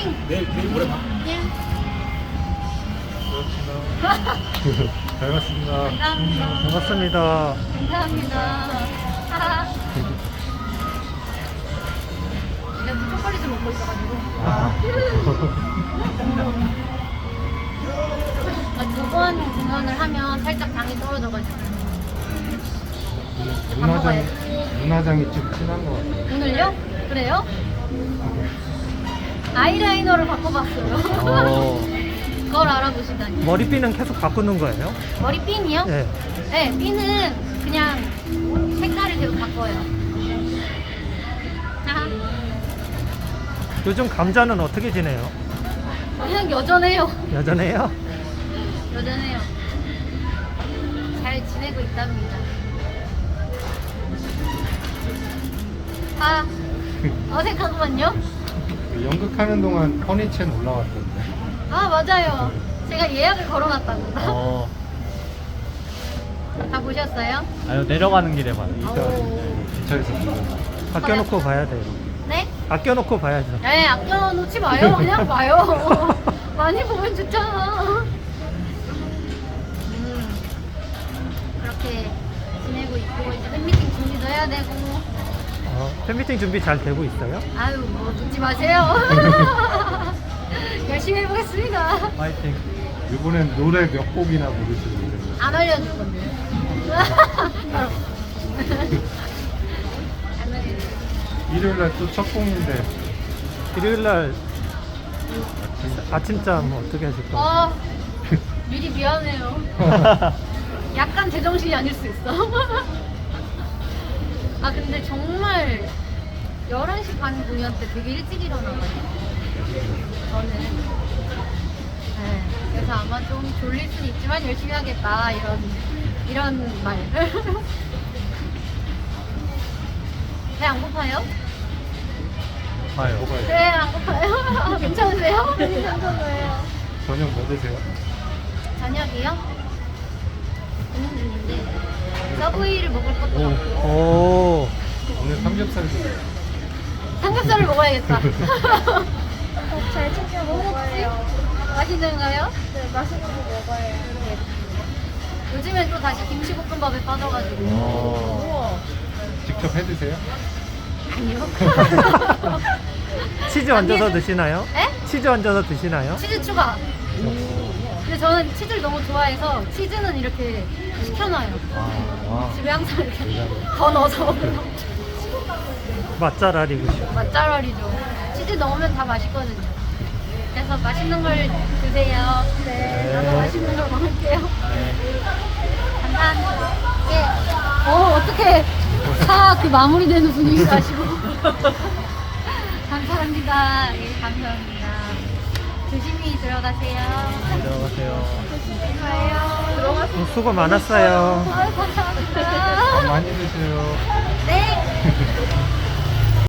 화이팅! 내일 모레 봐. 예. 잘 봤습니다. 감사합니다. 반갑습니다. 감사합니다. 하하. 내가 초콜릿을 먹고 있어가지고. 두 번 공연을 하면 살짝 당이 떨어져가지고. 문화장이 좀 친한 것 같아요. 오늘요? 그래요? 아이라이너를 바꿔봤어요. 그걸 알아보시다니. 머리핀은 계속 바꾸는 거예요? 머리 핀이요? 네. 네, 핀은 그냥 색깔을 계속 바꿔요. 하하. 요즘 감자는 어떻게 지내요? 그냥 여전해요. 여전해요? 여전해요. 잘 지내고 있답니다. 아, 어색하구만요. 연극하는 동안 허니첸 올라왔던데. 아, 맞아요. 제가 예약을 걸어놨다고. 다 보셨어요? 아유 내려가는 길에 봐요. 기차에서 보면. 아껴놓고 봐야 돼요. 네? 아껴놓고 봐야죠. 네, 아껴놓지 마요. 그냥 봐요. 많이 보면 좋잖아. 그렇게 지내고 있고, 이제 팬미팅 준비도 해야 되고. 팬미팅 준비 잘 되고 있어요? 아유, 뭐 묻지 마세요. 열심히 해보겠습니다. 파이팅. 이번엔 노래 몇 곡이나 부르시는데. 안 알려줄 건데. 바로. 안 알려줄. 일요일날 또 첫 공인데 일요일날 아침잠 어떻게 하실 거예요? 아, 미리 미안해요. 약간 제정신이 아닐 수 있어. 아, 근데 정말 11시 반 공연 때 되게 일찍 일어나가지고 저는. 네, 그래서 아마 좀 졸릴 수는 있지만 열심히 하겠다 이런 말. 배 안 고파요? 봐요. 뭐가요? 네, 안 고파요. 괜찮으세요? 괜찮아요. 저녁 뭐 드세요? 저녁이요? 고민 중인데 서브웨이를 먹을 것도 같고 오, 오늘 삼겹살 드세요. 삼겹살을 먹어야겠다. 잘 챙겨 먹어요. 맛있는가요? 네, 맛있는 거 먹어요. 요즘엔 또 다시 김치볶음밥에 빠져가지고. 우와. 직접 해 드세요? 아니요. 치즈 얹어서 아니, 드시나요? 에? 치즈 얹어서 드시나요? 치즈 추가. 근데 저는 치즈를 너무 좋아해서 치즈는 이렇게 시켜놔요. 집에 항상 이렇게 더 넣어서 먹어요. 맛잘알이고 싶어. 맛잘알이죠. 치즈 넣으면 다 맛있거든요. 그래서 맛있는 걸 드세요. 네, 나도 맛있는 걸 먹을게요. 감사합니다. 예. 어떻게 그 마무리되는 분위기 가시고. 감사합니다. 예, 감사합니다. 조심히 들어가세요. 들어가세요. 좋아요. 들어가세요. 수고 많았어요. 아유, 감사합니다. 많이 드세요. 네.